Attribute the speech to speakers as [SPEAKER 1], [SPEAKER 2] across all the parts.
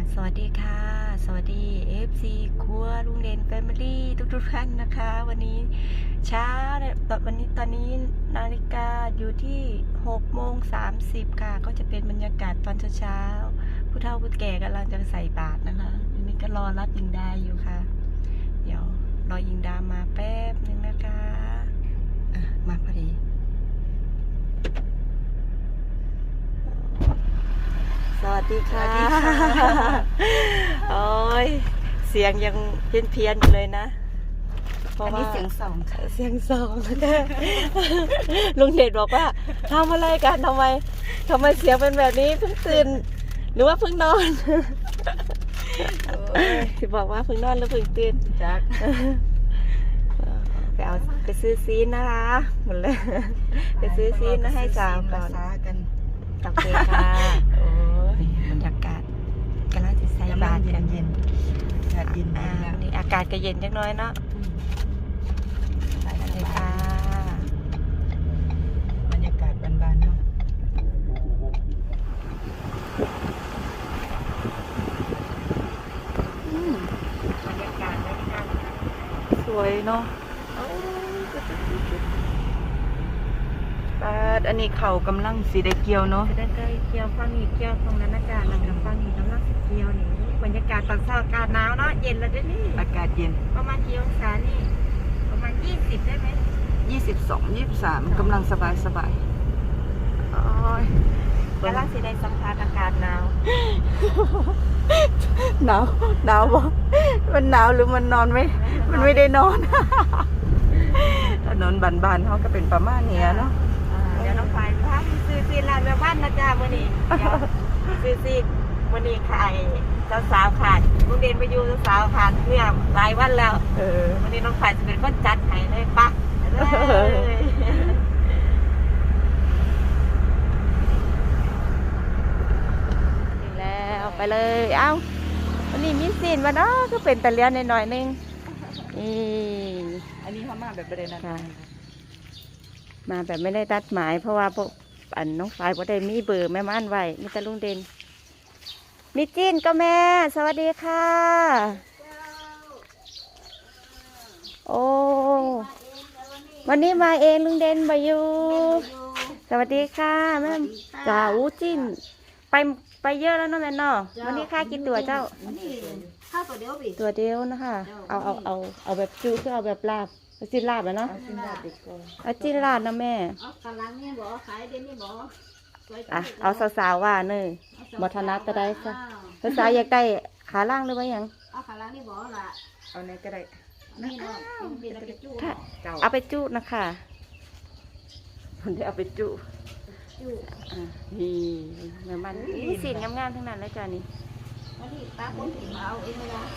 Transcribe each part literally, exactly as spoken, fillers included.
[SPEAKER 1] สวัสดีค่ะ สวัสดี เอฟ ซี ครัวลุงเด่นแฟมิลี่ทุกๆท่านนะคะ วันนี้เช้าตอนวันนี้ตอนนี้นาฬิกาอยู่ที่หกโมงสามสิบค่ะ ก็จะเป็นบรรยากาศตอนเช้าๆผู้เฒ่าผู้แก่กำลังจะใส่บาตรนะคะอันนี้ก็รอรับยิงดาอยู่ค่ะ เดี๋ยวรอยิงดามาแป๊บนึงนะคะอ่ะมาพอดีสวัสดีค่ะ โอ้ยเสียงยังเพี้ยนเพียนอยู่เลยนะเพราะว่าเสียงสองเสียงสองลุงเดชบอกว่าทำอะไรกันทำไมทำไมเสียงเป็นแบบนี้เพิ่งตื่นหรือว่าเพิ่งนอนที่บอกว่าเพิ่งนอนหรือเพิ่งตื่นจักไปเอาไปซื้อซีนนะคะหมดเลยไปซื้อซีนนะให้สาวก่อนโอเคค่ะโอ้ยบรรยากาศกำลังจะใส่บาตรกันเย็นอากาศเย็นแล้วนี่อากาศก็เย็นจังน้อยเนาะไปกันเลยค่ะบรรยากาศบานๆเนาะบรรยากาศบรรยากาศสวยเนาะอันนี้เขากำลังสีได้เกี่ยวเนาะสีได้เกี่ยวฟังนี่เกี่ยวตรงนั้นอากาศแล้วกับฟังนี่กำลังสีเกี่ยวนี่บรรยากาศตอนเช้าอากาศหนาวเนาะเย็นแล้วด้วยนี่อากาศเย็นประมาณกี่องศานี่ประมาณยี่สิบได้ไหมยี่สิบสองยี่สิบสามกำลังสบายสบายกำลังสีได้สัมผัสอากาศหนาวหนาวหนาวบ่มันหนาวหรือมันนอนไหมมันไม่ได้นอนถนนบานๆเขาก็เป็นประมาณนี้เนาะเดี๋ยวน้องไฟพาซื้อซีนร้านแม่บ้านนะจ๊ะวันนี้ซื้อซีนวันนี้ขายสาวสาวขาดลุงเด่นไปอยู่สาวขาดเพื่อหลายวันแล้ววันนี้น้องไฟจะเป็นคนจัดให้เลยปะถึงแล้วไปเลยเอ้าวันนี้มีซีนมาเนาะก็เป็นตะเลียนหน่อยๆนึงนี่อันนี้เขามาแบบประเด็นอะไรมาแบบไม่ได้ตัดหมายเพราะว่าพวกอันน้องฝ่ายพอได้มีเบอร์แม่ม่านไว้มีแต่ลุงเด่นมีจีนก็แม่สวัสดีค่ะโอ้วันนี้มาเองลุงเด่นบายูสวัสดีค่ะแม่จ่าอู้จีนไปไปเยอะแล้วเนาะแม่เนาะวันนี้ค่ากินตัวเจ้า
[SPEAKER 2] ข้าวตัวเดียวบิ
[SPEAKER 1] ตัวเดียวนะคะเอาเอาเอาเอาแบบจูคือเอาแบบลาบจิ้นลาบแล้วเนาะเอาจิ้นลาบนะแม่
[SPEAKER 2] เอากะลังนี่บ่ขายเดี๋ยวนี้บ่
[SPEAKER 1] อ่ะเอาสาวๆว่าเนยบทนัดจะได้ซะสาวๆอยากได้ขาล่างหรือว่ายัง
[SPEAKER 2] เอากะลังนี่บ่ล่ะ
[SPEAKER 1] เอาไหนก็ได้
[SPEAKER 2] นี่เนาะ
[SPEAKER 1] เอาไปจุนะคะคนที่เอาไปจุ
[SPEAKER 2] จุ
[SPEAKER 1] อ่ะนี่เหมือนมันนี่สีงามๆทั้งนั้นเลยจ้านี่
[SPEAKER 2] วันนี้ตาคนที่เอาเองเลยนะ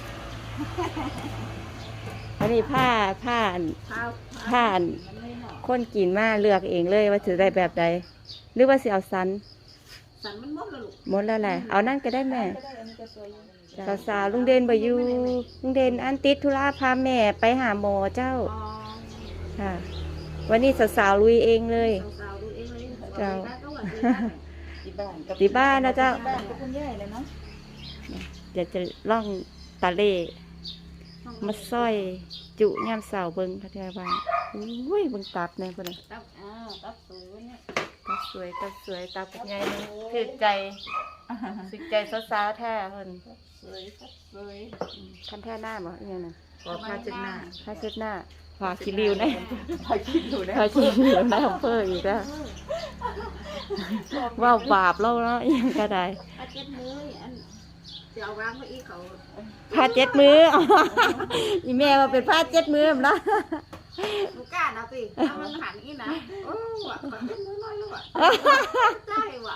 [SPEAKER 1] อันนี้ผ้าผ้าผ้าคนกินมาเลือกเองเลยว่าจะได้แบบใดหรือว่าสิเอาสัน
[SPEAKER 2] สันมันหมดแล้วลูก
[SPEAKER 1] หมดแล้วแหละเอานั่นก็ได้แม่สาวๆลุงเด่นบ่อยู่ลุงเด่นอันติดธุระพาแม่ไปหาหมอเจ้าค่ะวันนี้สาวๆลุยเองเลยเจ้าที่บ้านนะเจ้าเดี๋ยวจะล่องตะเล่มาซอยจุย่ำเสาเบิ้งพัทยาบ้านอุ้ยเบิ้งตับเนี่ยคนนี้
[SPEAKER 2] ตับอ้าวตับสวยเนี่ย
[SPEAKER 1] ตับสวยตับสวยตับเป็นไงนี่ถือใจสึกใจสาวๆแท้คน
[SPEAKER 2] สวยสวย
[SPEAKER 1] คันแท้หน้าบ่ยังไง
[SPEAKER 2] ขอผ้าเช็ดหน้า
[SPEAKER 1] ผ้าเช็ดหน้าผ้าคิริวนะผ้าคิริวนะผ้าคิริวนะของเพื่ออีกแล้วว่าบาปเล่าเนาะยังก็ได้
[SPEAKER 2] ผ้าเช็ดมืออันเดี๋ยววางไว้อีกเขา
[SPEAKER 1] ผ้าเจ็ดมืออีแม่ว่าเป็นผ้าเจ็ดมือนะ
[SPEAKER 2] ลูกก้าเอาสิเอามันหันอีนะโอ้ว่ะขอเจ็ดมือน้อยลูกอ่ะใช่ว่ะ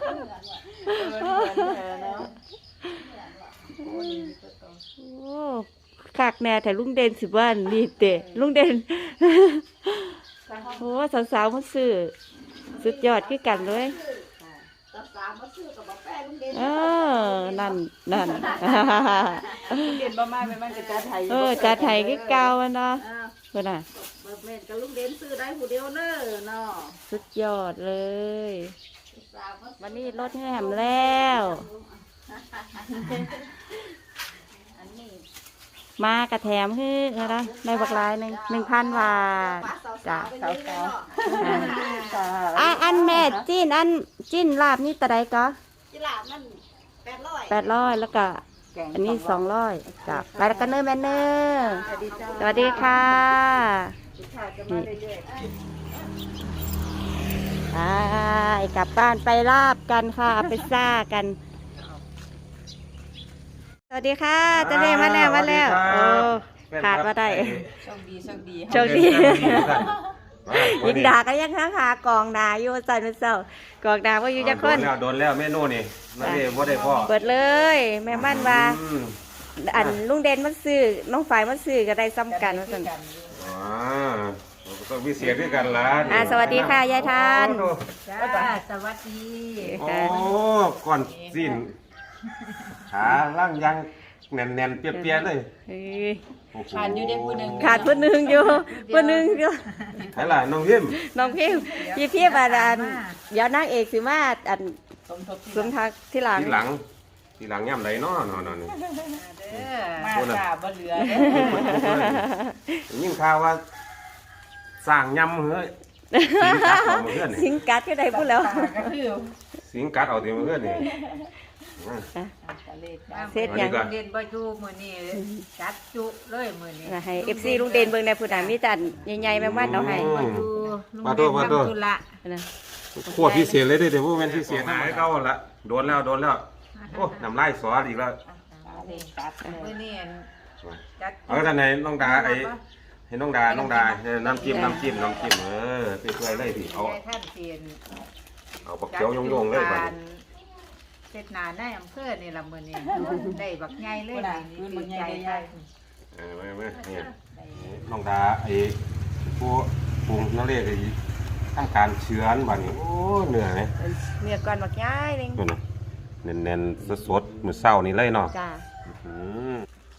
[SPEAKER 1] โอ้ขากแน่แต่ลุงเด่นสิบ้านนี่เตะลุงเด่นโอ้สาวๆมันซื้อสุดยอดขึ้นกันเลยเออนั่นนั่น
[SPEAKER 2] เด่นประมาณไม่มันจะจัดไทย
[SPEAKER 1] เออจัดไทยก็เก่าเนาะเพื่อนน่ะ
[SPEAKER 2] เบิร์ดเมนกับลุงเด่นซื้อได้ผู้เดียวเนอะเนาะ
[SPEAKER 1] สุดยอดเลยวันนี้รถแหมแล้วมากระแถมฮื้อนะได้บักลายหนึ่งหนึ่งพันบาทจ้ะ
[SPEAKER 2] สาวสาว
[SPEAKER 1] อ่ะอันแม่จิ้นอันจิ้นลาบนี่ตะไดก็
[SPEAKER 2] จิลามันแปดร้อย
[SPEAKER 1] แปดร้อยแล้วก็อันนี้สองร้อยจ้ะไปแล้วกันเนอร์แมนเนอร์สวัสดีค่ะนี่ไปกลับบ้านไปลาบกันค่ะไปซ่ากันสวัสดีค่ะเจะเรียมาแล้วมาแล้วโอ้ขาดมาได้
[SPEAKER 2] โชคดีโชคดี
[SPEAKER 1] โชคดียิงดาก็ยังหาหากองนาอยู่สันเป็นเศร้ากองนาว่าอยู่จะคน
[SPEAKER 3] โดนแล้วโดนแล้วเมนูนี่นั่นเองว่าได้พ่อ
[SPEAKER 1] เปิดเลย แม่มั่นว่า
[SPEAKER 3] อืม
[SPEAKER 1] อันลุงเด่นมันซื้อน้องฝ่ายมันซื้อก็ได้ซ้ำกันว่าสัน
[SPEAKER 3] อ๋อต้องมีเสียงด้วยกันละ
[SPEAKER 1] อ่าสวัสดีค่ะยายทาน
[SPEAKER 2] จ้าสวัสดี
[SPEAKER 3] โอ้ก่อนสิ้นขาล่างยังแน่นๆเปียๆเลย
[SPEAKER 1] เฮ้ย
[SPEAKER 2] ขาดอยู่ได้ผู้หนึ่ง
[SPEAKER 1] ขาดผู้หนึ่งอยู่ผู้หนึ่งอยู่
[SPEAKER 3] ไหนล่ะน้องพิมพ์
[SPEAKER 1] น้องพิมพ์พี่พี่บาดานเดี๋ยวนางเอกสิมาอัน
[SPEAKER 2] สมทบ
[SPEAKER 1] สมทักที่หลัง
[SPEAKER 3] ทีหลังทีหลังย่ำไหลเนาะนอนน
[SPEAKER 2] เด้อมาจ้าบ่เหลือเด้อ
[SPEAKER 3] ยิ่งข่าวว่าสร้างยำเฮ้ยสิงกัดเอามาเพื่อนนี่
[SPEAKER 1] สิงกัดก็ได้พูดแล้ว
[SPEAKER 2] ก็คือ
[SPEAKER 3] สิงกัดเอาเดี๋ยวมาเพื่อนนี่
[SPEAKER 1] เสร็จยัง
[SPEAKER 2] เรียนบ่อยู่มื้อนี้จัดจุเลยมื้อนี้
[SPEAKER 1] ให้ เอฟ ซี ลุงเด่นเบิ่งในผู้ใดมีจันใหญ่ๆแม่มั่นเอาให้
[SPEAKER 3] อืม
[SPEAKER 2] ดู
[SPEAKER 3] มาโทษมาโทษ
[SPEAKER 2] ธุระ
[SPEAKER 1] นะ
[SPEAKER 3] ขวดพิเศษเลยเด้อเดี๋ยวพวกแม่นพิเศษหายเก่าละโดนแล้วโดนแล้วโอ้น้ำลายสออีกแล้ว
[SPEAKER 2] จัดมื้อนี้จัด
[SPEAKER 3] เอาท่านไหนน้องดาไอ้ให้น้องดาน้องดาเออน้ำจิ้มน้ำจิ้มน้ำจิ้มเออไปช่วยเลยพี่เอา
[SPEAKER 2] ท่านเปลี่ยน
[SPEAKER 3] เอาปักเขียวโยงๆเลยบัดนี้
[SPEAKER 2] เสร็จนาในอำเภอนี่ละมื้อนี้ได้บักใหญ่เลยนี่ดีใจได้
[SPEAKER 3] เออไม่ไม่เนี่ยน้องดาไอ้ผู้ปรุงนั่นเรียกไอ้ทำการเชื้อนบัดนี้โอ้เหนื่อยไหม
[SPEAKER 1] เมียก่อนบักย้ายนึง
[SPEAKER 3] ดูนะแน่นๆสดๆมื้อเช้านี่เลยเนาะ
[SPEAKER 1] จ้า
[SPEAKER 3] อืม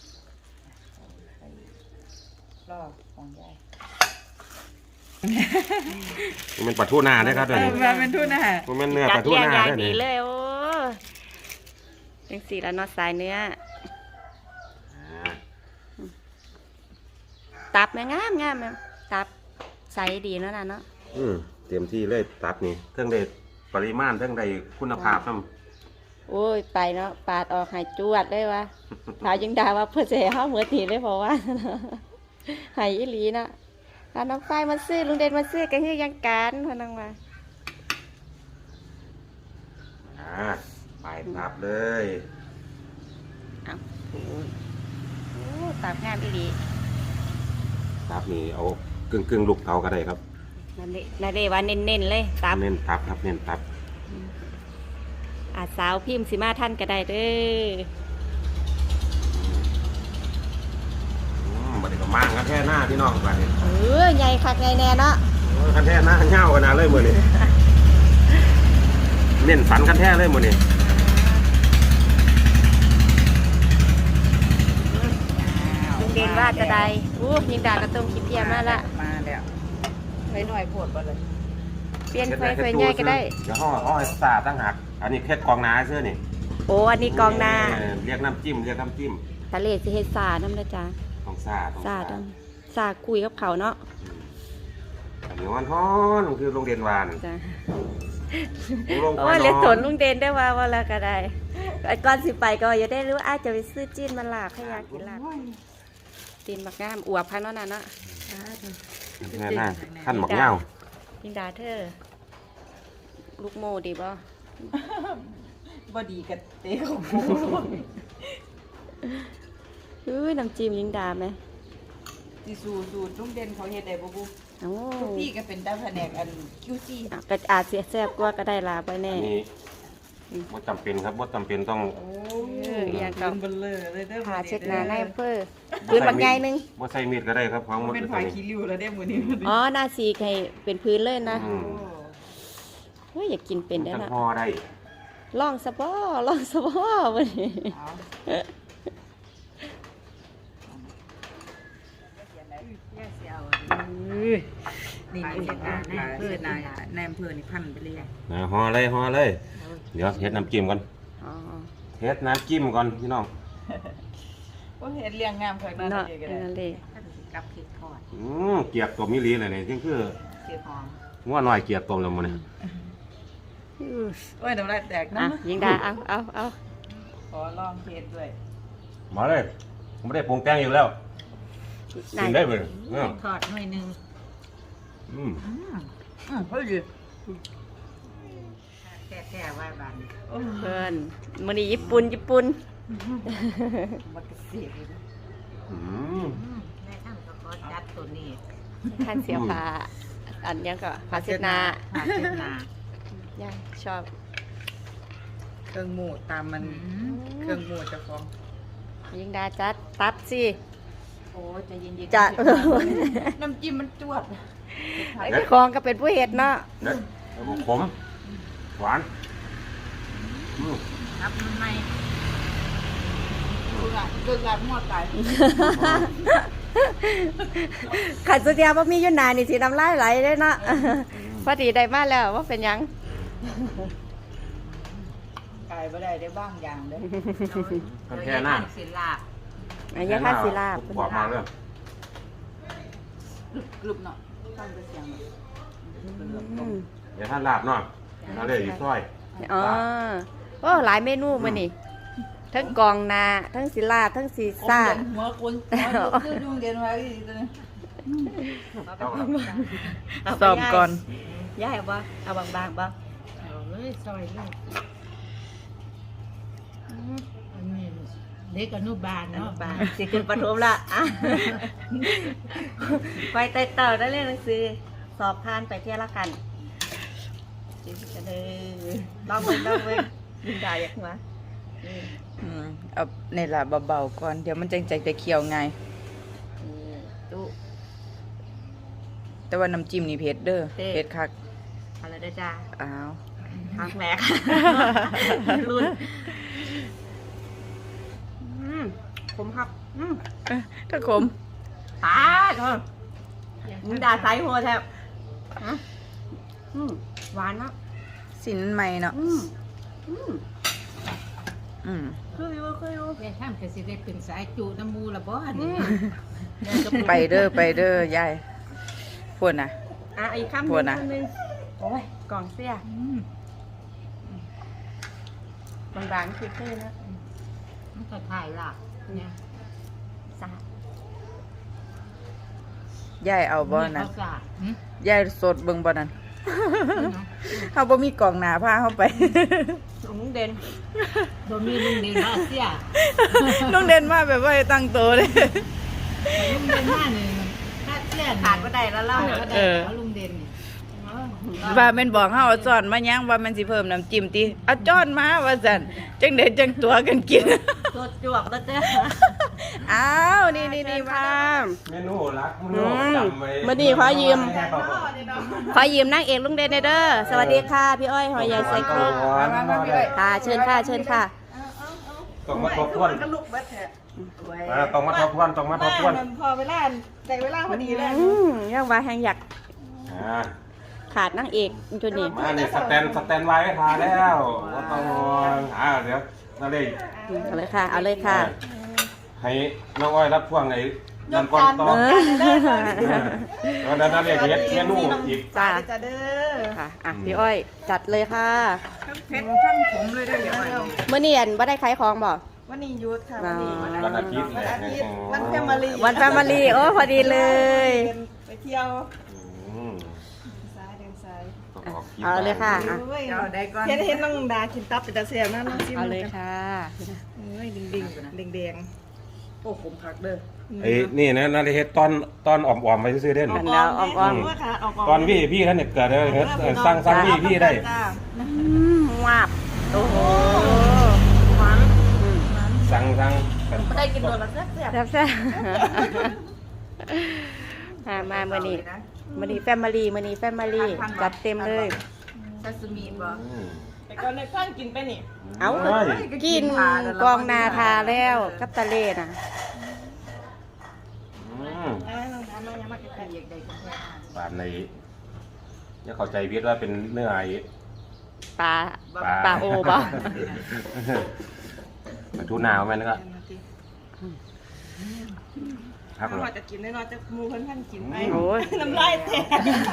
[SPEAKER 2] รอบของยาย
[SPEAKER 3] มันเป็นปลาทูนาเด้อครับเดี๋ยวนี้
[SPEAKER 2] มาเป็นทุนนะฮะ
[SPEAKER 3] มันเป็นเนื้อ
[SPEAKER 1] จั
[SPEAKER 3] ป
[SPEAKER 1] ด
[SPEAKER 3] ลาทู
[SPEAKER 1] เรียง
[SPEAKER 3] นา
[SPEAKER 1] อย่าง
[SPEAKER 3] เด้อ
[SPEAKER 1] ดี
[SPEAKER 3] นี่
[SPEAKER 1] เลยโอ้จังสี่แล้วเนอสายเนื้อ
[SPEAKER 3] อ่า
[SPEAKER 1] ตับแม่งามงามแม่ตับใสดีเนาะน่ะเนาะ
[SPEAKER 3] อืมเต็มที่เลยตับนี่เท่งได้ปริมาณเท่งได้คุณภาพนำ
[SPEAKER 1] โอ้ยไปเนาะปาดออกให้จวดเลยวะพายังด่าว่าเพื่อจะให้เฮาเหมือนทีเลยเพราะว่า ให้อีหลีนะถ้าน้องไฟมาซื้อลุงเด่นมาซื้อก็คือยังการพนังมา
[SPEAKER 3] อ่าไปตับเลย
[SPEAKER 1] เอาโอ้ยโอ้ตับงามอีหลี
[SPEAKER 3] ตับนี่เอากึ่งกึ่งๆลูกเตาก็ได้ครับ
[SPEAKER 1] นั่นเด้นั่นเด้ว่าเน้นๆเลยตับ
[SPEAKER 3] เน้นตับครับเน้นตับ
[SPEAKER 1] อาสาวพิมพ์สิมาท่านก็ได้เด้อ
[SPEAKER 3] อืมบัดนี้ก็มางกันแท่หน้าพี่น้องบัดนี้
[SPEAKER 1] เออใหญ่คักใหญ่แน่เนาะ
[SPEAKER 3] โอ้ยกันแท่หน้าเหี่ยวขนาดเลยมื้อนี้ เน้นสันกันแท่เลยมื้อนี้
[SPEAKER 1] ลุงเด่นว่าจะได้อู้ยิงด่ากระตุ้มขี้เพียมาละ
[SPEAKER 2] มาแล้วไปหน่อยปวดบ่เลย
[SPEAKER 1] เปลี่ยนไฟไฟใหญ่ก็ได้
[SPEAKER 3] เดี๋ยวห่อห่อให้สาตั้งหักอันนี้เพชรกองนาเสื้อนี่
[SPEAKER 1] โอ้อันนี้กองนา
[SPEAKER 3] เเรียกน้ำจิ้มเรียกน้ำจิ้ม
[SPEAKER 1] ทะเลสิเฮ็ดซาน้ำนะจ๊ะ
[SPEAKER 3] ต้องซาต้อง
[SPEAKER 1] ซาต้องซาคุยกับเขาเนาะ
[SPEAKER 3] อันนี้วันฮ้อนคือโรงเรียนวาน
[SPEAKER 1] จ้ะ
[SPEAKER 3] โรง
[SPEAKER 1] โอ้ยเลยสนลุงเด่นได้ว่าว่าแล้วก็ได้ไอ้ก่อนสิไปก็อย่าได้รู้อาจจะไปซื้อจีนมาลาบให้อยากกินลาบจีนบักงามอวบพันเนาะน่ะเนาะ
[SPEAKER 3] แน่น่าขั้นหมอกเงา
[SPEAKER 1] ยิงดาเธอลูกโมดีบ่
[SPEAKER 2] บ่ดีกับเต้ของกู
[SPEAKER 1] อุ้ยน้ำจิ้มยิงดาไหม
[SPEAKER 2] สิสูสูตรลุงเด่นเขาเฮ็ดได้บ่บุ
[SPEAKER 1] โอ้
[SPEAKER 2] ทุกที่ก็เป็นตาแผนกอัน คิว ซี
[SPEAKER 1] อ่ะก็อาจเสียแซ่บกว่าก็ได้ลาไปแน่
[SPEAKER 3] อันนี้ว่าจำเป็นครับว่าจำเป็นต้อง
[SPEAKER 2] โอ้
[SPEAKER 1] เอออย่างกับ
[SPEAKER 2] เบลเลอร์เลยเด้อ
[SPEAKER 1] หาเช็ดหนาในอำเภอพื้นบักใหญ่หนึง
[SPEAKER 3] ว่าใส่มีดก็ได้ครับของมัน
[SPEAKER 2] เป็น
[SPEAKER 3] ตัว
[SPEAKER 2] ฝาย
[SPEAKER 3] นี้
[SPEAKER 2] ขี้ริ้วแล้วเด้มื้อนี้
[SPEAKER 1] อ๋อหน้าสีให้เป็นพื้นเลยนะ
[SPEAKER 3] อืม
[SPEAKER 1] เฮ้ยอยากกินเป็นได้
[SPEAKER 3] จัง
[SPEAKER 1] ละ
[SPEAKER 3] ห่อได้
[SPEAKER 1] ลองสะบ้อลองสะบ้อวันนี้
[SPEAKER 2] เอานี่นี่เฮ็ดนาในอำเภอนาในอำเภอนี่พันไปเลย
[SPEAKER 3] นะห่อเลยห่อเลย เดี๋ยวเฮ็ดน้ำจิ้มก่อน
[SPEAKER 1] อ๋อ
[SPEAKER 3] เฮ็ดน้ำจิ้มก่อนพี่น้อง
[SPEAKER 2] ก็เห็นเรียงงามเคยมา
[SPEAKER 1] เนาะ
[SPEAKER 2] เดียวกัน
[SPEAKER 1] นั่นเลย
[SPEAKER 2] กับพริกทอด
[SPEAKER 3] อืมเกียบตัวมิลีเลยนี่จึงคือ
[SPEAKER 2] เสียหอม
[SPEAKER 3] ว่าน้อยเกียบตัวแล้วมื้อนี้
[SPEAKER 2] โอ้ยน้ำลายแตก
[SPEAKER 1] อ่ะ
[SPEAKER 2] นะ
[SPEAKER 1] ยิงดาเอาเอาเอา
[SPEAKER 2] ขอลองเทสด้วย
[SPEAKER 3] มาเลยผมไม่ได้ปรุงแต่งอยู่แล้วกินได้เบิ่เออ
[SPEAKER 2] ทอดหน่อยนึง
[SPEAKER 3] อืม
[SPEAKER 2] อืมอืมเฮ้ยดิแท้ๆว่าบาน
[SPEAKER 1] เพิ่นมื้อนี้ญี่ปุ่นญี่ปุ่น
[SPEAKER 2] มันก็เสียเลย
[SPEAKER 3] อืม
[SPEAKER 2] แม่ท่านก็ขอจัดตัวนี้
[SPEAKER 1] ท่านเสียผ้าอันยังก็ผ้าเช็ดหน้า
[SPEAKER 2] ผ้าเช็ดหน้า
[SPEAKER 1] ย่าชอบ
[SPEAKER 2] เครื่องหมูตามมันเครื่องหมูจะฟ้อง
[SPEAKER 1] ยิงดาจัดตัดสิ
[SPEAKER 2] โอ้จะเย็นๆ
[SPEAKER 1] จัด
[SPEAKER 2] น้ำจิ้มมันจวด
[SPEAKER 1] ไอ้ของก็เป็นผู้เฮ็ดเนาะ
[SPEAKER 3] เด็ดแล้วก็ขมหวานอืม
[SPEAKER 2] ครับมันไม่ดูละดูละหมดตาย
[SPEAKER 1] ขันสุดยาบ่มีอยู่หนานี่สิน้ำลายไหลเลยเนาะพอดีได้มาแล้วว่าเป็นหยัง
[SPEAKER 2] กายไม่ได้ได้บ้างอย่างเด้
[SPEAKER 3] กันแค่หน้า
[SPEAKER 2] ศิลาบ
[SPEAKER 1] อันนี้ค่าศิลาบ
[SPEAKER 3] กว่ามาเลย
[SPEAKER 2] กรุบเนาะต้องไปเสียง
[SPEAKER 1] อืม
[SPEAKER 3] อย่าท่านลาบเนาะนั่นเลยอีกซอย
[SPEAKER 1] อ๋อโอ้หลายเมนูมื้อนี้ทั้งกองนาทั้งศิลาบทั้งซีซ่า
[SPEAKER 2] หัวคนคือยุ่งเด่นไว้ตัวนี้
[SPEAKER 1] สอบก่อนย่ายบ่เอาบางๆบ่
[SPEAKER 2] เอาเลยซอยเลยอันนี้เด็กอนุบาลเนาะ
[SPEAKER 1] บางสิขึ้นประถมละอ่ะไปไต่เต่าได้เรียนหนังสือสอบผ่านไปเที่ยวละกันจิตกันเลยลองเบิ่งลองเบิ่งยินดาอยากมา
[SPEAKER 2] อืมเอาในละเบาๆก่อนเดี๋ยวมันจังใจจะเคี่ยวไง
[SPEAKER 1] ดู
[SPEAKER 2] แต่ว่าน้ำจิ้มนี่เผ็ดเด้อเผ็ดคัก
[SPEAKER 1] อะไรได้จ้า
[SPEAKER 2] อ้าว
[SPEAKER 1] ทางแหลกรุ่นอืมผมครับอืม
[SPEAKER 2] ถ้าขม
[SPEAKER 1] ตาเถอะยินดาใส่หัวแทบฮะอืมหวานเนาะ
[SPEAKER 2] สินใหม่เนาะ
[SPEAKER 1] อืมอืม
[SPEAKER 2] อืม
[SPEAKER 1] คืออยู่คืออยู่
[SPEAKER 4] แม่ท่านก็สิได้เป็นสายจูน้ำมูละบ่อัน
[SPEAKER 1] อื
[SPEAKER 4] นี้
[SPEAKER 1] ม
[SPEAKER 2] ไปเด้อไปเด้อยายพวกน่ะ
[SPEAKER 1] อ่ะอีกคำห
[SPEAKER 2] โท
[SPEAKER 1] นึ่
[SPEAKER 2] ษ
[SPEAKER 1] ง
[SPEAKER 2] นะ
[SPEAKER 1] คำหนึ่งโอ้ยกล่องเสีย
[SPEAKER 4] อืม
[SPEAKER 1] บางๆคือคือนะ
[SPEAKER 4] มันก็ถ่ายหลักเนี่ย
[SPEAKER 1] สา
[SPEAKER 2] ยายเอาบ่นั่น
[SPEAKER 4] เขาสาดหึ
[SPEAKER 2] ยายสดเบิ่งบ่นั่นเฮาบ่มีกล่องหน้าพาเฮาไป
[SPEAKER 1] ลุงเด่น
[SPEAKER 4] บ่มีลุงเด่นมาเสีย
[SPEAKER 2] ลุงเด่นมาแบบว่าให้ตั้งโตเลย
[SPEAKER 4] ลุงเด่นมานี่ถ้าเสีย
[SPEAKER 1] ขาดก็ได้แล้วเล่า
[SPEAKER 4] ก็ได้
[SPEAKER 2] เออ
[SPEAKER 4] เอาลุงเด่นนี่
[SPEAKER 2] ว่าแม่นบอกเฮาเอาจ้อนมายังว่ามันสิเพิ่มน้ำจิ้มติเอาจ้อนมาว่าซั่นจังได๋จังตัวกันกิน
[SPEAKER 1] ตัวจวกแล้วเจ้า
[SPEAKER 2] อ้าวนี่นี่นี่มา
[SPEAKER 3] เมนูรักเมนูจำไว้
[SPEAKER 1] มาดีขอยืม ขอยืมนางเอกลุงเด่นหน่อยเด้อสวัสดีค่ะพี่อ้อยหอยใหญ่ใส่ครก
[SPEAKER 2] มามาพี่อ้อย
[SPEAKER 1] ค่ะเชิญค่ะเชิญค่ะ
[SPEAKER 3] ต้องมาทบทวนอ่าต้องมาทบทวนต้องมาทบทวน
[SPEAKER 2] พอเวลาแต่เวลาพอดีเลย
[SPEAKER 1] อืมยังว่าแหงอยาก
[SPEAKER 3] อ่า
[SPEAKER 1] ขาดนางเอกจุดนี้
[SPEAKER 3] มาเนี่ยสแตนสแตนไว้ให้ทาแล้วว่าต้องห่วงอ่าเดี๋ยวนั่นเลย
[SPEAKER 1] เอาเลยค่ะ เอาเลยค่ะ
[SPEAKER 3] ให้น้องอ้อยรับพ่วงไอ้นั่นก่อนต่อ
[SPEAKER 1] เออ
[SPEAKER 3] แล้วนั่นเลยเฮ็ดเมนูอีก
[SPEAKER 1] จ้า
[SPEAKER 2] จะเด้อ
[SPEAKER 1] ค่ะอ่ะพี่อ้อยจัดเลยค่ะ
[SPEAKER 2] เผ็ดทั้งผมเลยเด้อเดี๋ยว
[SPEAKER 1] เมื่อเนียนว่าได้ขายของบ่
[SPEAKER 2] วันนี้หยุดค่ะวันนี้
[SPEAKER 3] วันอาทิตย์เลย
[SPEAKER 2] วันอาทิตย์วันแฟมิลี่
[SPEAKER 1] วันแฟมิลี่โอ้พอดีเลย
[SPEAKER 2] ไปเที่ยว
[SPEAKER 3] อืม
[SPEAKER 2] ซ้ายเดินซ้าย
[SPEAKER 3] ต้องออกคลิป
[SPEAKER 1] เอาเลยค่ะอ่ะ
[SPEAKER 2] เอาได้ก่อนเห็นเห็นน้องดากินตับเป็นตาเสียบนะน้องซิม
[SPEAKER 1] เอาเลยค่ะ
[SPEAKER 2] เอ้ยดิ่งดิ่งดิ่งแดงโอ้ผมผักเด้อ
[SPEAKER 3] ไอ้นี่นะนั่นเฮ็ดตอนตอนอ่อมๆไปซื้อๆเด่น
[SPEAKER 1] อันแล้วออมออม
[SPEAKER 2] ค่ะเอา
[SPEAKER 3] ตอนพี่พี่ท่านเนี่ยเกิดเลยเฮ็ดเออสร้างสร้างพี่พี่ได้
[SPEAKER 1] อืมวาบโอ้โหหวาน
[SPEAKER 3] สั่งสั่ง
[SPEAKER 2] ไม่ได้กินโดนละแซ่บ
[SPEAKER 1] แซ่บแซ่บมามาเมื่อนี้เมื่อนี้แฟมิลี่เมื่อนี้แฟมิลี่จัดเต็มเลย
[SPEAKER 2] ซาซิมิบ่
[SPEAKER 3] อืม
[SPEAKER 2] แต่ก่อนในข้างกินไปนี่
[SPEAKER 1] เอา
[SPEAKER 3] เอ้ย
[SPEAKER 1] กินกองนาทาแล้วกับตะเลน่ะ
[SPEAKER 3] อืม
[SPEAKER 2] อ่าน้องดามายังมาใกล้ๆอยากได้กันแท้
[SPEAKER 3] บาดในเนี่ยเข้าใจผิดว่าเป็นเนื้อไอ้
[SPEAKER 1] ปลา
[SPEAKER 3] ปลา
[SPEAKER 1] ปลาโอบ่
[SPEAKER 3] ปลาทูนาวแม่นก็ครับ
[SPEAKER 2] ถ้าจะกินน้อยๆจะมูเพิ่นท่านกินไป
[SPEAKER 1] โอ้ย
[SPEAKER 2] น้ำลายแตก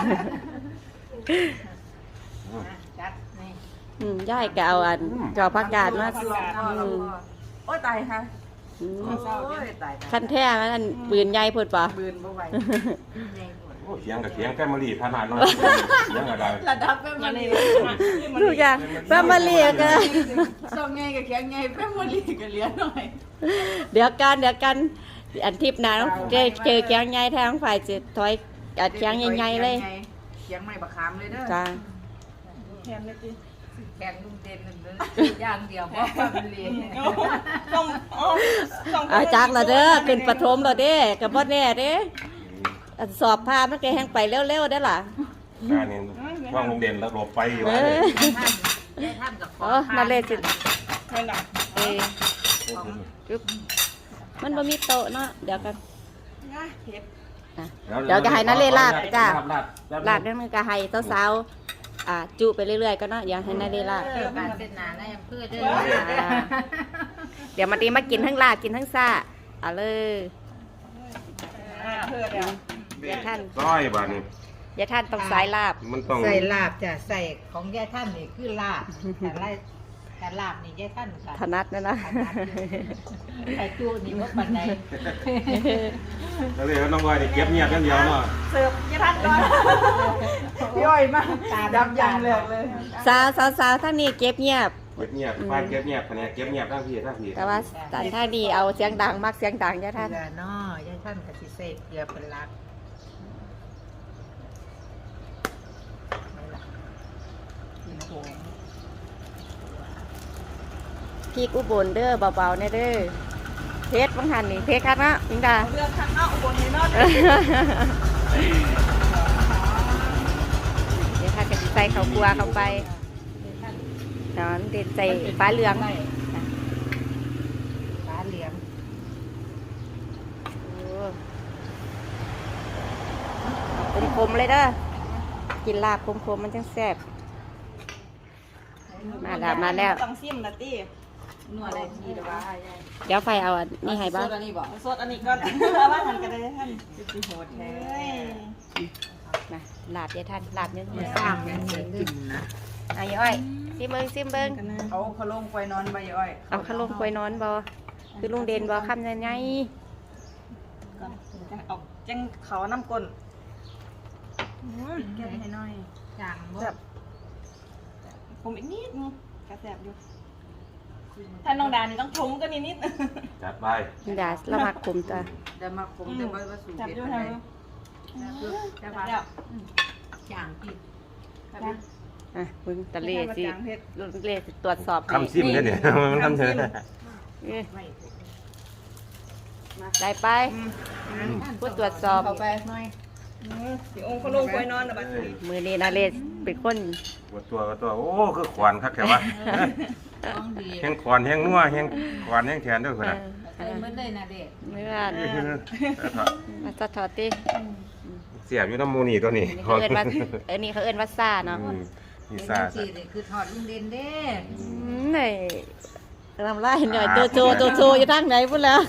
[SPEAKER 4] จัดนี่
[SPEAKER 1] อืมย่ายก็เอาอันจอผักกาดมาอืม
[SPEAKER 2] โอ้ตายค่ะ
[SPEAKER 1] อืม
[SPEAKER 2] โอ้ยตาย
[SPEAKER 1] คันแท้มันอันปืนใหญ่พุ่นปะ
[SPEAKER 2] บืนบ่ไหว
[SPEAKER 3] โอ้เสียงกับเสียงแฟมิลี่ขนาดน้อยเสียงอะไร
[SPEAKER 2] ระดับแม่มันนี่
[SPEAKER 1] ทุกอย่างแฟมิลี่ก็
[SPEAKER 2] สองไงกับแข็งไงแม่มันลีก็เหลือหน่อย
[SPEAKER 1] เดี๋ยวกันเดี๋ยวกันอันทิพย์หนาต้องเจอเจอแกงใหญ่ทางฝ่ายจะถอยอัดแกงใหญ่ๆเลย
[SPEAKER 2] เสียงไม่บักขามเลยเด้อ
[SPEAKER 1] จ้า
[SPEAKER 2] แทนเลยจิ
[SPEAKER 4] แกงลุงเด่นนั่นเลยอย่างเดียวเพราะความเรียน
[SPEAKER 2] ต้องอ๋อต้อง
[SPEAKER 1] อาจักละเด้อขึ้นปฐมและเด้กับบ่แน่เด้อันสอบผ่านมันก็แฮงไปเร็วๆได้อล่ะ
[SPEAKER 3] การนี้ว่างโรงเรียนแล้วหลบไปอยู่
[SPEAKER 1] เอ
[SPEAKER 3] ว่า
[SPEAKER 1] อ
[SPEAKER 4] ได้ท่านกับขอ
[SPEAKER 1] โอ้นั่นเลยสิ
[SPEAKER 2] เพิ่นน่ะ
[SPEAKER 1] เออจุ๊บมันบ่มีโต๊ะเนาะเดี๋ยวกัน
[SPEAKER 2] นะเฮ็ด
[SPEAKER 1] อ่ะเดี๋ยวจะให้นั่นเลยลาบจ้า
[SPEAKER 3] ลาบ
[SPEAKER 1] ลาดเรื่องนึงก็ให้สาวๆอ่าจุไปเรื่อยๆก็เนาะอย่าให้นั่นเลยลาบ
[SPEAKER 4] เกี่ยวกับเป็นนาในอำเภอเด้อ
[SPEAKER 1] อ่าเดี๋ยวมาตีมากินทั้งลาบกินทั้งซ่าเอาเลย
[SPEAKER 2] เพิ่นแล้ว
[SPEAKER 1] อย่าท่าน
[SPEAKER 3] ร้อยบาทนี่
[SPEAKER 1] อย่าท่านต้องสายลาบ
[SPEAKER 3] มันต้อง
[SPEAKER 4] ใส่ลาบจ้ะใส่ของยายท่านนี่คือลาบแต่ไรแต่ลาบนี่ยายท่านค่ะ
[SPEAKER 1] ถนัดนะนะ
[SPEAKER 4] ใส่จูนี่ว่าปันใด
[SPEAKER 3] แล้วเลยน้องวายนี่เก็บเงียบอย่างเดียวเนาะ
[SPEAKER 2] เสิร์ฟยี่ทันก่อนพี่อ้อยมากดำยังเลยเลย
[SPEAKER 1] สาวสาวสาวทั้งนี้เก็บเงียบ
[SPEAKER 3] เก็บเงียบฝ่ายเก็บเงียบแผนกเก็บเงียบทั้งพี่ทั้งพี่
[SPEAKER 1] แต่ว่าสันท่านี้เอาเสียงดังมากเสียงดังอย่าท่าน
[SPEAKER 4] เกลือเนาะยายท่านกับสิเสพเกลือเป็นหลัก
[SPEAKER 1] พริกอุบลเด้อเบาๆเนี่ยเด้อเพชรบางหันนี่เพชรครับเนาะพิงดา
[SPEAKER 2] เรื่องข้างนอกอุบลนี่เนาะ
[SPEAKER 1] เดี๋ยวท่านก็สิใส่ข้าวกลัวเข้าไปนอนเด็ดใส่ฟ้าเหลือง
[SPEAKER 4] ปลาเหลียง
[SPEAKER 1] คมคมๆเลยเด้อกินลาบคมคมๆมันจังแซ่บมาแล้วมาแล้ว
[SPEAKER 2] ต้องซิมนะตี้
[SPEAKER 4] นัวอะไรทีเดียวว่า
[SPEAKER 1] เดี๋ยวไฟเอาอันนี่ให้บ้าง
[SPEAKER 4] อันนี้บอก
[SPEAKER 2] สดอันนี้ก่อนแล้วว่าหันกันได้ท่าน
[SPEAKER 4] คือโหดแท้
[SPEAKER 2] เฮ้ย
[SPEAKER 1] มาลาบเดี๋ยวท่านลาบเนื้อ
[SPEAKER 4] สร้างยังไงกินนะ
[SPEAKER 1] อายอ้อยซิมเบิ้งซิมเบิ้ง
[SPEAKER 2] เอาขลุ่มไปนอนใบอ้อย
[SPEAKER 1] เอาขลุ่มควยนอนบ่คือลุงเด่นบ่คำยังไง
[SPEAKER 2] ก่อนจะเอาจังเขาน้ำก้นแก้ให้หน่อย
[SPEAKER 4] จางบ่
[SPEAKER 2] แบบผมอีกนิดนึงกระแสบอยู่ถ้าน้องดานี่ต้องชมก็นิดนิด
[SPEAKER 3] จัดไป
[SPEAKER 1] นี่ดาละมักคุมตัว
[SPEAKER 4] เดี๋ยวมาผมจะมาผสม
[SPEAKER 2] จับ
[SPEAKER 4] เผ็ด
[SPEAKER 2] อยู่
[SPEAKER 4] อะไร
[SPEAKER 2] ทาง
[SPEAKER 4] จะ
[SPEAKER 2] จั
[SPEAKER 4] มา
[SPEAKER 2] บแล้ว
[SPEAKER 4] จางผิด
[SPEAKER 2] จับแล้ว
[SPEAKER 1] อ่ะมึงตะเลสิ
[SPEAKER 2] จางเผ็ด
[SPEAKER 1] ลุงเลสิตรวจสอบให้
[SPEAKER 3] คำซิมเนี่ยเนี่ยมันคำเชิญ
[SPEAKER 1] เอ้ย
[SPEAKER 4] ไม่
[SPEAKER 1] ได้ไปผู้ตรวจสอบ
[SPEAKER 2] เข้าไปหน่อยพี่องค์เขาลงไปนอนนะบัดนี้
[SPEAKER 1] มือนี้นาเลสเป็นคน
[SPEAKER 3] ปวดตัวก็ตัวโอ้คือขวานคักแค่ว่า
[SPEAKER 4] ต้องดี
[SPEAKER 3] แห้งขวานแห้งนัวแห้งขวานแห้งแขนด้วยคนน่ะ
[SPEAKER 4] ใส่เมื่อเลยนะเด็ก
[SPEAKER 1] เมื่อมาสะทอดติ
[SPEAKER 3] เสียบอยู่น้ำมูนี่ตัวนี้
[SPEAKER 1] นี่เขาเอิ้นว่าเออนี่เขาเอิ้นว่าซ่าเนาะ
[SPEAKER 3] อืมนี่
[SPEAKER 4] เป็น
[SPEAKER 3] ซา
[SPEAKER 4] จังซี่นี่คือทอดลุงเด่นเด้
[SPEAKER 1] อืมนี่ทำไรหน่อยโจโจโจโจอยู่ทางไหนพุ่นแล้ว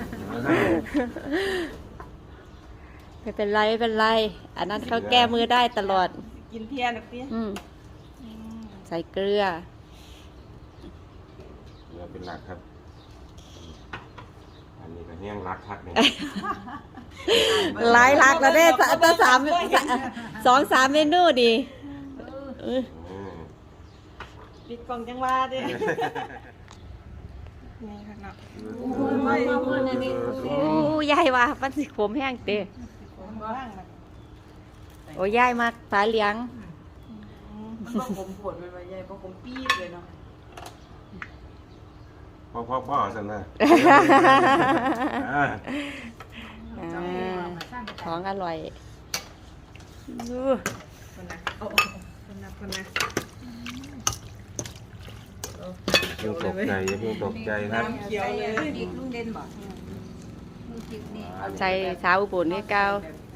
[SPEAKER 1] ไม่เป็นไรไม่เป็นไร อันนั้นเขาแก้มือได้ตลอด
[SPEAKER 2] กินเพียนพี่
[SPEAKER 1] อืมใส่เกลือ
[SPEAKER 3] เราเป็นหลักครับ อันนี้ก็แห้งรักคักเนี่ย
[SPEAKER 1] หลายหลักแล้วได้ตั้งสามสองสามเมนูดีเออ
[SPEAKER 3] อืม
[SPEAKER 2] ปิดกล่องจังว่าดินี่ค่ะเนาะ
[SPEAKER 1] โอ้ยายว่ามันสิขมแห้งเต้
[SPEAKER 2] ผมว่างนะ
[SPEAKER 1] โอ้ยายมากฝาเหลียง
[SPEAKER 2] มันก็ผมปวดเป็นใบใหญ่เพราะผมปี๊ดเลยเนาะ
[SPEAKER 3] พ่อพ่อพ่อสันนะอ่า
[SPEAKER 1] อ่าของอร่อยดู
[SPEAKER 2] คนนะโอ้คนนะคนนะ
[SPEAKER 3] เพิ่งตกใจอย่าเพิ่งตกใจครับ
[SPEAKER 2] เขียวเลย
[SPEAKER 4] พริกลุงเด่นบ่ลุงพริกนี่
[SPEAKER 1] ใส่สาวอุบลนี่เก้า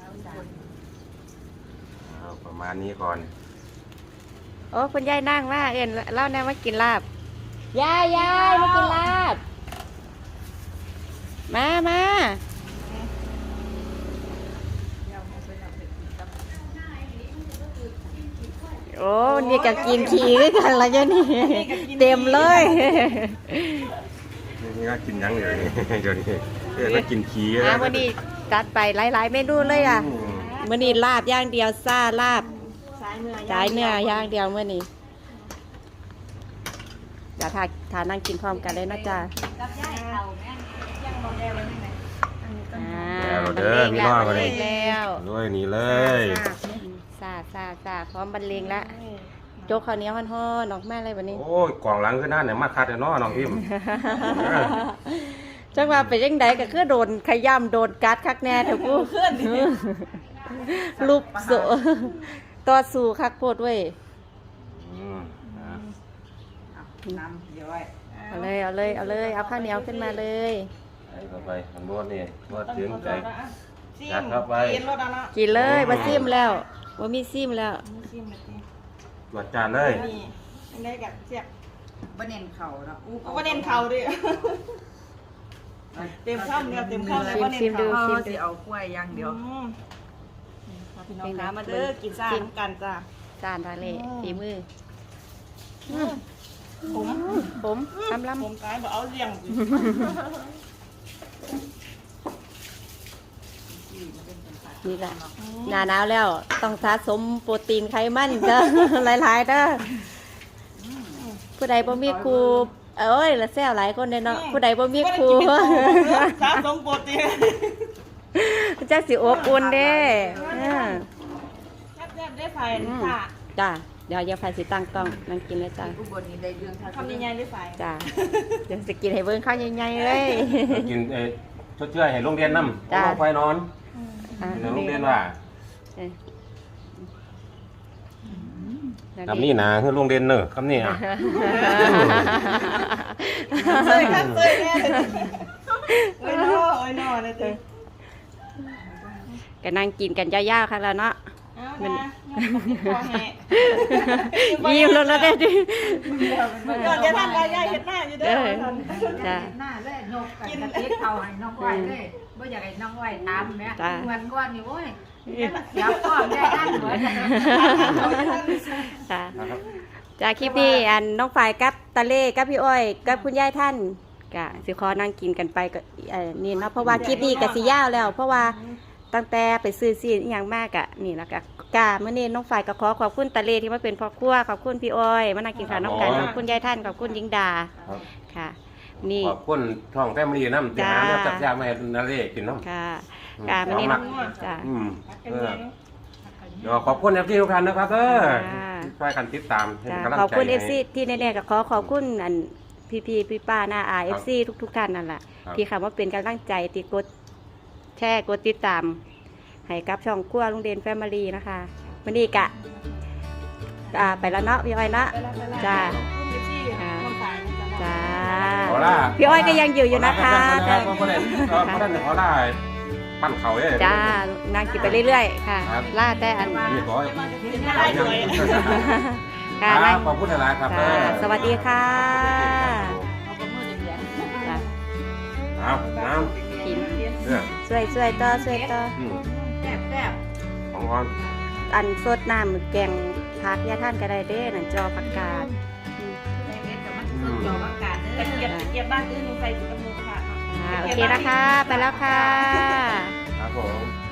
[SPEAKER 3] เอาประมาณนี้ก่อน
[SPEAKER 1] โอ้คุณยายนั่งว่าเอ็นเล่าแน่ว่ากินลาบยายยายมากินลาบมามาโอ้นี่ก็กินขี้ด้วยกันละจ้ะนี่เต็มเลย
[SPEAKER 3] นี่ก็กินยังอยู่นี่เดี๋ยวนี้เออก็กินขี้
[SPEAKER 1] อ่ะวันนี้จัดไปหลายๆเมนูเลยอ่ะ
[SPEAKER 3] อืม
[SPEAKER 1] มื้อนี้ลาบอย่างเดียวซ่าลาบ
[SPEAKER 2] สายเนื้อ
[SPEAKER 1] จ่ายเนื้อย่างเดียวมื้อนี้จะทาทานั่งกินพร้อมกันเลยนะจ๊ะ
[SPEAKER 2] กับย่ายเอาแม่ย่างบ่ได้ไว้นี่ไหน
[SPEAKER 1] อ่า
[SPEAKER 3] แล้วเด้อพี่น้อง
[SPEAKER 1] บร
[SPEAKER 3] มาร เล
[SPEAKER 1] เลย งแล้ว
[SPEAKER 3] ด้วยนี่เลย
[SPEAKER 1] ซาซาซาพร้อมบรรเลงแล้วโจ๊กข้าวเหนียวฮ้อนๆออกมาเลยวันนี้
[SPEAKER 3] โอ้ยกล่องหลังขึ้นหน้าเนี่ยมาคัดเลยเนาะน้องพิมพ์
[SPEAKER 1] จังว่าเป็นยังไงก็คือโดนขย้ำโดนกัดคักแน่เถอะกูรูปโซต่อสู้คักโพดเว้ย
[SPEAKER 3] อืมอ่ะ
[SPEAKER 4] น้ำเดี๋ยวไว้
[SPEAKER 1] เอาเลยเอาเลยเอาเลยเอาข้าวเหนียวขึ้นมาเลย
[SPEAKER 3] ใส่เข้าไปอันบนนี่บดถึงใจยัดเข้าไป
[SPEAKER 2] กินรถแล้วเนาะ
[SPEAKER 1] กินเลยมาซิมแล้วว่ามีซิมแล้ว
[SPEAKER 2] ชิมแบบนี้
[SPEAKER 3] ตรวจจานเลย
[SPEAKER 2] นี่ยังได้กับเสียบ
[SPEAKER 4] บ่เน้นเข่าเนาะ
[SPEAKER 2] เอาประเด็นเข่าดิเต็มข้ามเดียวเต็มข้ามเลย
[SPEAKER 1] ซิม
[SPEAKER 2] ประเด็น
[SPEAKER 1] ซิมดู
[SPEAKER 2] เข่า
[SPEAKER 1] ซิม
[SPEAKER 4] สิ
[SPEAKER 1] ดู
[SPEAKER 4] เอากล้วยอย่างเดียว
[SPEAKER 2] อืมพี่น้องคะมาเด้อกินซ่าน้ำกันจ้า
[SPEAKER 1] จานทะเลฝีมือ
[SPEAKER 2] ผม
[SPEAKER 1] ผมลำล
[SPEAKER 2] ผมตายบอกเอาเลี้ยง
[SPEAKER 1] ำนี่แหละหนาหนาวแล้วต้องสะสมโปรตีนไขมันเด้อ หลายๆเด้อผู้ใดบ่มีครูเอ้ยละแซวหลายคนเด้อเนาะผู้ใดบ่มีครู
[SPEAKER 2] สะสมโปรตีน
[SPEAKER 1] จักสิอบอุ่นเด้อ่า
[SPEAKER 2] แซ่บๆได้ไฟค่ะ
[SPEAKER 1] จ้าเดี๋ยวอย่าไฟสิตั้งกล้องนั่งกินเลยจ้า
[SPEAKER 4] อุบลนี่ได้เรื่องทาง
[SPEAKER 2] ทำยังไงได้ไฟ
[SPEAKER 1] จ้าเดี๋ยวสิกินให้เบิ่งข้าวใหญ่ๆเลย
[SPEAKER 3] กินเอ้ชดเชยให้โรงเรียนน้ำ
[SPEAKER 1] จ้ะ
[SPEAKER 3] ลงไปนอน
[SPEAKER 1] อ่ะ
[SPEAKER 3] ในโรงเรียนว่า
[SPEAKER 1] เอ้ย
[SPEAKER 3] คำนี้นะคือโรงเรียนเนอะคำนี้อ่ะ
[SPEAKER 2] เซยค่ะเซยแน่เลยโอ้ยนอโอ้ยนอเลยจ้ะ
[SPEAKER 1] ก็นั่งกินกันยาวๆค่ะแล้วเนาะ
[SPEAKER 2] เอานะพอแห่
[SPEAKER 1] ยิ้มแล้วนะเด้อดิ
[SPEAKER 2] ก่อนจะทำอะไรยายเห็นหน้าอยู่เด้อ
[SPEAKER 1] จ้า
[SPEAKER 4] หน้าเลยนกกันกระติกเข่าให้น้องไว้เลยบ่อยากให้น้องไว้ถามแม่
[SPEAKER 1] จ้ะ
[SPEAKER 4] วันก่อนนี่โอ้ยเสียพ่อได้ด้านหัว
[SPEAKER 1] ค่ะจากคลิปนี้อันน้องฝ่ายกับตาเล่กับพี่อ้อยกับคุณยายท่านกะสิขอนั่งกินกันไปก็เอ่อนี่เนาะเพราะว่าคลิปนี้ก็สิยาวแล้ว เพราะว่าตั้งแต่ไปซื้อซีนอหย่างมากอะนี่แล้วก็กาเมื่อนี้น้องฝ่ายก็ขอขอบคุณตาเล่ที่มาเป็นพ่อครัวขอบคุณพี่อ้อยมานั่งกินข้าวน้องกันขอบคุณยายท่านขอบคุณยิงดา
[SPEAKER 3] ครับ
[SPEAKER 1] ค่ะ นี่
[SPEAKER 3] ขอบคุณช่องแฟมิลี่น้ำเจ้าน้ำจับยามาให้นาเล่กินน้ำ
[SPEAKER 1] ค่ะกาเมื่อนี้จ้า
[SPEAKER 3] อืมเออเดี๋ยวขอบคุณเอฟซีทุกท่านนะครับเออ
[SPEAKER 1] จ้า
[SPEAKER 3] ช่วยกันติดตามให้
[SPEAKER 1] จ้ะ
[SPEAKER 3] กำลังใจ
[SPEAKER 1] ขอบคุณเอ
[SPEAKER 3] ให้
[SPEAKER 1] ฟซีที่แน่ๆก็ขอขอบคุณอันพี่พี่พี่ป้าหน้าอาเอฟซีทุกๆท่านนั่นแหละ
[SPEAKER 3] ครับ
[SPEAKER 1] ที่คำว่าเป็นกำลังใจติดกดแชร์กดติดตามให้กับช่องครัวลุงเดนแฟมิลี่นะคะวันนี้กะอ่าไปแล้วเนาะพี่อ้อยเนาะจ้าจ้า
[SPEAKER 3] ขอล่า
[SPEAKER 1] พี่อ้อยก็ยังอยู่อยู่นะคะ
[SPEAKER 3] ขอล่าเพราะนั้นเพราะนั้นขอล่าปั้นเขาเนี่ย
[SPEAKER 1] จ้านางกินไปเรื่อยๆ ค่ะ
[SPEAKER 3] ครับ
[SPEAKER 1] ล่าแต่อัน
[SPEAKER 3] นี่ขอ
[SPEAKER 2] ได้ด้วย
[SPEAKER 1] ค่ะ
[SPEAKER 3] ครั
[SPEAKER 1] นา
[SPEAKER 3] บ
[SPEAKER 1] ง
[SPEAKER 3] ขอบคุณหลายๆครับ
[SPEAKER 1] ค่ะสวัสดีค่ะ
[SPEAKER 4] เอาประมือเดียว
[SPEAKER 1] จ้ะ
[SPEAKER 3] เอาน้
[SPEAKER 1] กิน
[SPEAKER 3] ำเนี่ย
[SPEAKER 1] ช่วยช่วยต่อช่วยต่อ
[SPEAKER 3] อืม
[SPEAKER 4] แซ่บแซ่บ
[SPEAKER 3] ของอ่อน
[SPEAKER 1] อันสดน้ำแกงผักยาท่านก็ได้เด้นั่นจอผักกาดอืม
[SPEAKER 4] ในเม็ดกับมันสุดยอดอากาศเด้
[SPEAKER 2] ตะเกียบ
[SPEAKER 4] อ
[SPEAKER 2] ตะเกียบบ้านอื่นใส่ถุงมือค่ะ
[SPEAKER 1] อ่าโอเคนะคะ ไปแล้วค่ะ
[SPEAKER 3] ครับผม